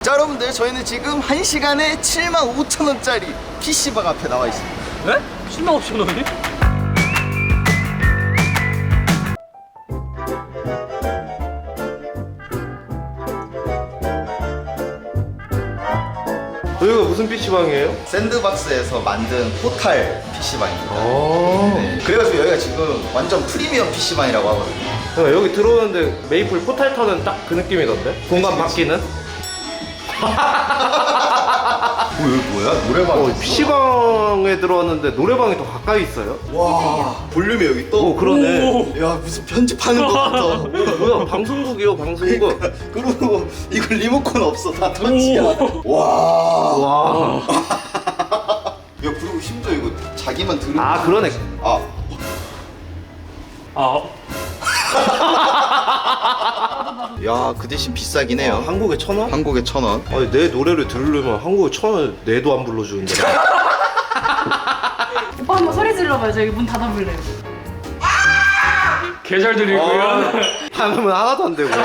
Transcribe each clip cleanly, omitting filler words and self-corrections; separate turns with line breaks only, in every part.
자 여러분들 저희는 지금 1시간에 75,000원짜리 PC방 앞에 나와 있습니다.
네? 75,000원이?
여기가 무슨 PC방이에요?
샌드박스에서 만든 포탈 PC방입니다.
아
네. 그래가지고 여기가 지금 완전 프리미엄 PC방이라고 하거든요.
그러니까 여기 들어오는데 메이플 포탈 터는 딱 그 느낌이던데? 공간 바뀌는?
여기 뭐야? 노래방.
PC방에 들어왔는데 노래방이 더 가까이 있어요?
와 볼륨이 여기 또.
오 그러네.
야 무슨 편집하는 것 같아.
뭐야 방송국이요 방송국.
그리고 이거 리모컨 없어 다 터치야. 와.
와.
야 그리고 심지어 이거 자기만 들으면.
아 그러네.
아.
아,
야 그 대신 비싸긴 해요.
한국에 1,000원?
한국에 1,000원.
아니 내 노래를 들으려면 한국에 1,000원 내도 안 불러주는데.
오빠 한번 소리 질러봐요. 저 여기 문 닫아볼래요.
개 잘 들리고요.
하면 하나도 안 되고.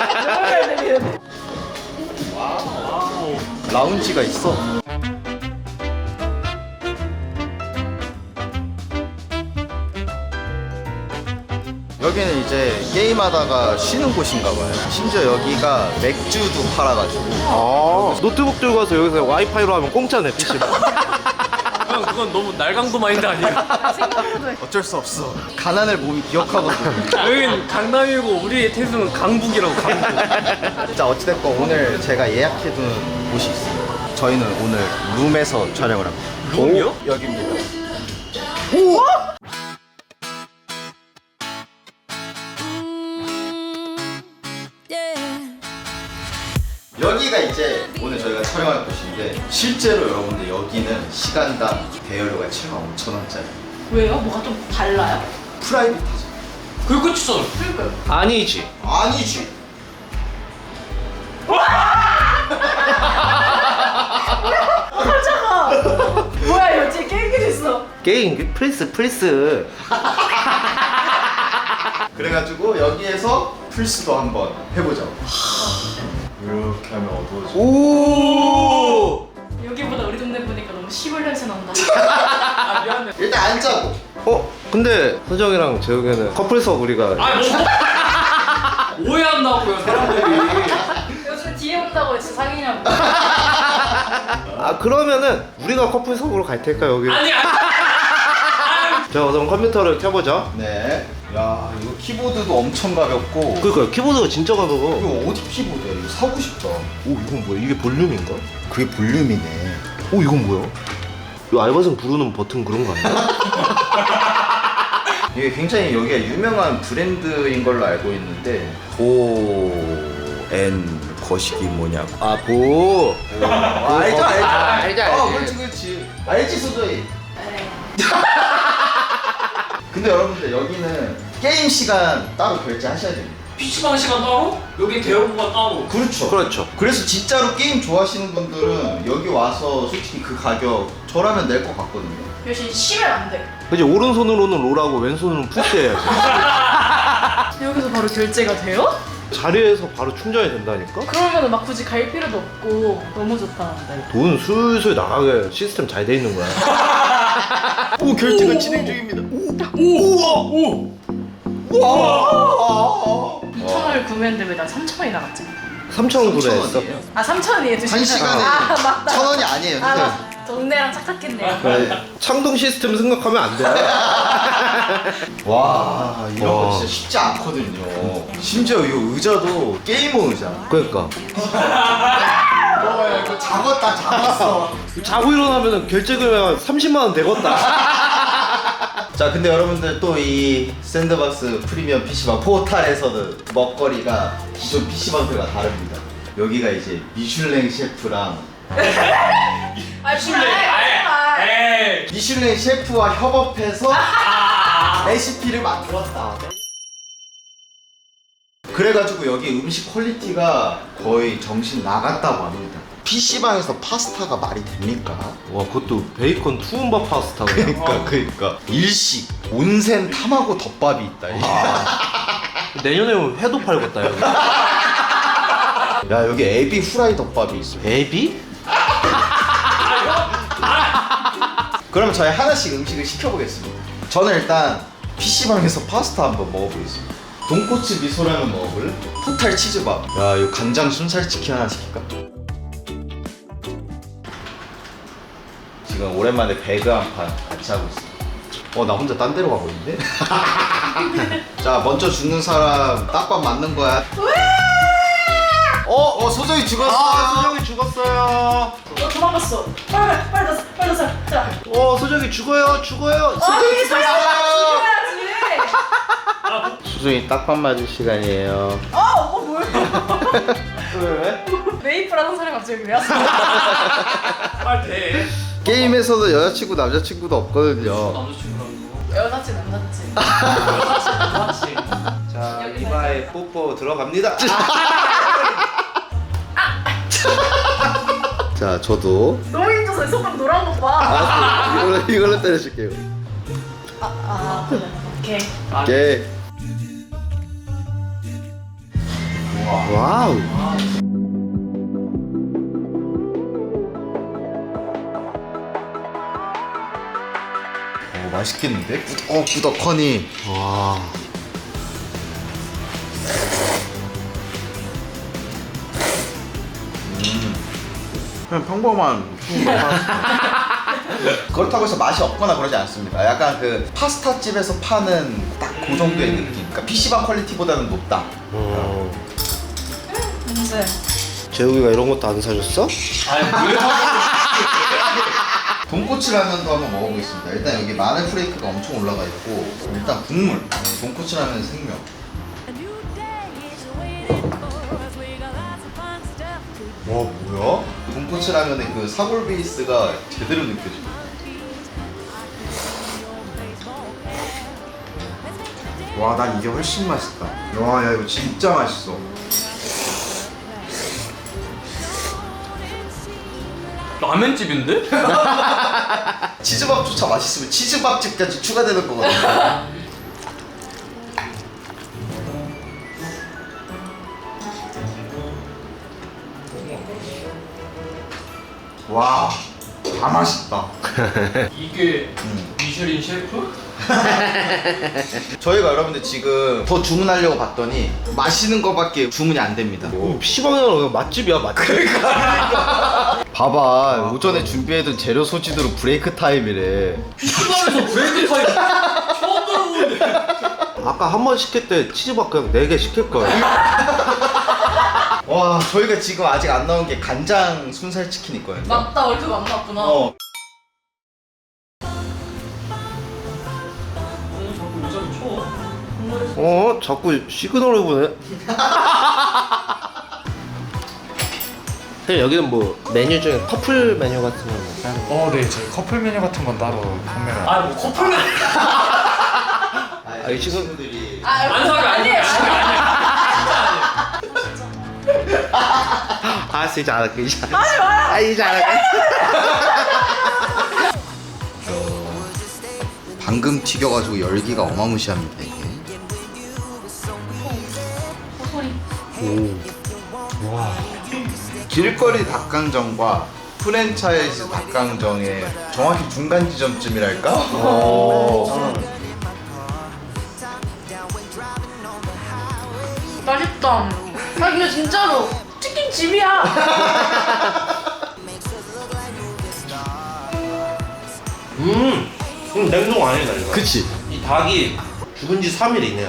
라운지가 있어. 여기는 이제 게임하다가 쉬는 곳인가 봐요. 심지어 여기가 맥주도 팔아가지고.
아 노트북 들고 와서 여기서 와이파이로 하면 공짜네 PC방.
형 그건 너무 날강도 마인드 아니야?
생각보다
어쩔 수 없어. 가난을 몸이 기억하거든.
여긴 강남이고 우리의 태수는 강북이라고 강북.
자 어찌됐건 오늘 제가 예약해둔 곳이 있어요. 저희는 오늘 룸에서 촬영을 합니다.
룸이요?
오, 여기입니다. 여기가 이제 오늘 저희가 촬영할 곳인데 실제로 여러분들 여기는 시간당 대여료가 75,000원짜리
왜요? 뭐가 좀 달라요?
프라이빗하죠.
그게 끝이잖아.
그러니까요.
아니지.
아니지.
깜짝아. 뭐야 이거 제 게임기 있어.
게임 플스.
그래가지고 여기에서 플스도 한번 해보죠. 이렇게 하면 어두워져.
오.
여기보다 우리 동네 보니까 너무 시골 냄새 난다.
아 미안해.
일단 앉자고.
근데 서정이랑 재욱이는 커플석 우리가.
아 뭐? 오해한다고요 사람들이.
요즘 뒤에 온다고 진짜 사귀냐고.
아 그러면은 우리가 커플석으로 갈 테니까 여기.
아니.
자 우선 컴퓨터를 켜보죠.
네. 야 이거 키보드도 엄청 가볍고.
그러니까 키보드가 진짜 가벼워.
이거 어디 키보드야? 이거 사고 싶다.
오 이건 뭐야? 이게 볼륨인가?
그게 볼륨이네.
오 이건 뭐야? 이 알바생 부르는 버튼 그런 거 아니야?
이게 굉장히 여기가 유명한 브랜드인 걸로 알고 있는데 고앤 거시기 뭐냐고.
아 보.
알죠.
알지.
그렇지. 알지 소저이.
네.
근데 여러분들 여기는 게임 시간 따로 결제하셔야 됩니다.
PC방 시간 따로? 여기 대여부가 따로.
그렇죠.
그렇죠.
그래서 진짜로 게임 좋아하시는 분들은 여기 와서 솔직히 그 가격 저라면 낼 것 같거든요.
대신 쉬면 안 돼.
그지 오른손으로는 롤하고 왼손으로는 푸시 해야지.
여기서 바로 결제가 돼요?
자리에서 바로 충전이 된다니까?
그러면 막 굳이 갈 필요도 없고 너무 좋다는데.
돈 술술 나가게 시스템 잘 돼 있는 거야.
오 결제가 진행 중입니다.
오.
와.
2,000원을 구매했는데 왜 난 3,000원이 나갔지?
3,000원 구매했어.
아 3,000원이에요.
한 시간에
아 맞다.
1,000원이 아니에요.
아 맞다. 동네랑 착각했네요.
네.
창동 시스템 생각하면 안 돼.
와 이런 거
와.
진짜 쉽지 않거든요. 심지어 이 의자도 게이머 의자.
그러니까
이거 잡았어.
자고 일어나면 결제 금액 30만 원 되겠다.
자 근데 여러분들 또 이 샌드박스 프리미엄 PC방 포탈에서는 먹거리가 기존 PC방들과 다릅니다. 여기가 이제 미슐랭 셰프랑
아
술래. 에이.
미슐랭 셰프와 협업해서 레시피를 만들었다. 그래가지고 여기 음식 퀄리티가 거의 정신 나갔다고 합니다. PC방에서 파스타가 말이 됩니까?
와 그것도 베이컨 투움바 파스타 그냥.
그러니까 일식 온센 타마고 덮밥이 있다.
내년에 회도 팔겠다 여기.
야 여기 에비 후라이 덮밥이 있어.
에비?
그러면 저희 하나씩 음식을 시켜보겠습니다. 저는 일단 PC방에서 파스타 한번 먹어보겠습니다. 돈코츠 미소라면 먹어볼래? 포탈 치즈밥. 야 이거 간장 순살치킨 하나 시킬까? 지금 오랜만에 배그 한 판 같이 하고 있습니다.
나 혼자 딴 데로 가고 있는데?
자 먼저 죽는 사람 딱밥 맞는 거야. 소정이 죽었어.
소정이 죽었어요.
도망갔어. 빨리 나 살. 자.
소정이 죽어요.
아니 살려야지.
소정이 딱밥 맞을 시간이에요.
뭐야?
왜?
메이플 하는 사람이 갑자기 왜 왔어?
빨리 돼.
게임에서도 여자친구 남자친구도 없거든요.
남자친구랑
여자친 남자친.
자,
여기
이마에 뽀뽀 들어갑니다.
자 저도
너무 힘줘서 손가락 노란 거 봐.
이걸로 때려줄게요.
그래. 오케이.
오케이. 와우. 맛있겠는데? 꾸덕하니. 와. 그냥 평범한 그렇다고 해서 맛이 없거나 그러지 않습니다. 약간 그 파스타 집에서 파는 딱 그 정도의 느낌. 그러니까 PC방 퀄리티보다는 높다.
문제.
재욱이가 이런 것도 안 사줬어?
아니 왜
돈코츠 라면도 한번 먹어보겠습니다. 일단 여기 마늘 프레이크가 엄청 올라가 있고 일단 국물. 돈코츠 라면 생명. 와 뭐야? 돈코츠 라면의 그 사골 베이스가 제대로 느껴져. 와 난 이게 훨씬 맛있다. 와 야 이거 진짜 맛있어.
라면집인데?
치즈밥조차 맛있으면 치즈밥집까지 추가되는 거거든요. 와, 다 맛있다.
이게 미슐린 셰프?
저희가 여러분들 지금 더 주문하려고 봤더니 마시는 거밖에 주문이 안 됩니다.
PC방이랑 맛집이야, 맛집.
봐봐, 오전에 준비해둔 재료 소진으로 브레이크 타임이래.
PC방에서 브레이크 타임 처음 들어보는데.
아까 한 번 시킬 때 치즈밥 그냥 4개 시킬 거야.
와, 저희가 지금 아직 안 나온 게 간장 순살 치킨 있거든요.
맞다 얼굴 안 나왔구나.
자꾸 여자를 쳐.
자꾸 시그널을 보네. 선생님, 여기는 뭐 메뉴 중에 커플 메뉴 같은 건 따로?
네, 저희 커플 메뉴 같은 건 따로 판매를
아니 뭐 커플맨
이 친구-
친구들이
안 사겨 아니에요.
알았어, 이제 알았게. 이제 알았게.
방금 튀겨가지고 열기가 어마무시합니다 이게. 길거리 닭강정과 프랜차이즈 닭강정의 정확히 중간 지점쯤이랄까?
맛있다. 근데 진짜로 치킨 집이야.
냉동 아니다, 이거.
그치?
이 닭이 죽은 지 3일 이내야.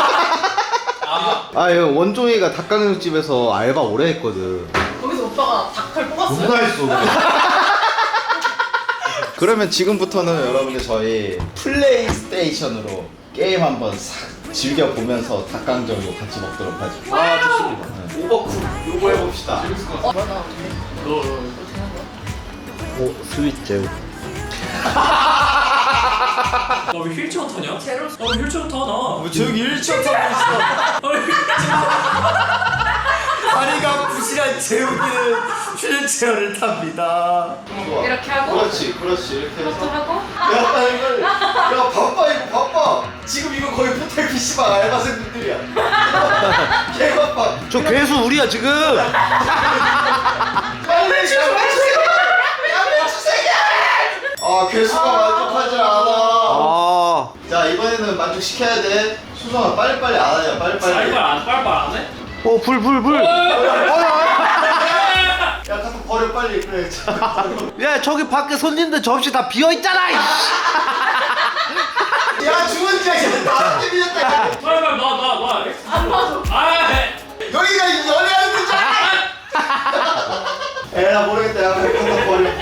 이거 원종이가 닭강정집에서 알바 오래 했거든.
거기서 오빠가 닭칼 뽑았어요.
했어. 그러면 지금부터는 여러분들 저희 플레이스테이션으로 게임 한번 싹 즐겨보면서 닭강정도 같이 먹도록 하죠.
좋습니다.
오버쿡 요거 해봅시다.
뭐야 나 어떡해?
오, 스윗 제우.
나왜 휠체어 타냐?
제로
나왜 휠체어 타 나?
저기 1차 타고 있어.
다리가 부실한 재욱이는 휠체어
휠체어를 탑니다.
좋아.
이렇게 하고?
그렇지 이렇게
이것도
해서
하고?
야 빨리 야 바빠 이거 바빠 지금 이거 거의 호텔 PC방 알바생분들이야 개 바빠
저 괴수 우리야 지금.
빨리 양배추세개 아 괴수가 만족하지 않아
아,
자 이번에는 만족시켜야 돼 수성아 빨리빨리 안 하냐 빨리빨리
빨빨 안 해?
불.
야 갖다 버려 빨리 그래
야 저기 밖에 손님들 접시 다 비어 있잖아.
야 죽은 지 이제 다섯 개 밀렸다
빨빨 놔.
안 봐도.
여기가 연애하는 데잖아 에라 모르겠다 야 그래 갖다 버려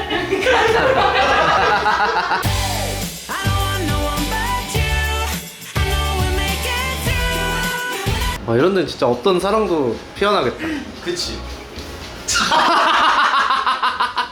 I don't want no one but you. I know we'll make it through.
아 이런 데는 진짜 어떤 사랑도 피어나겠다.
그치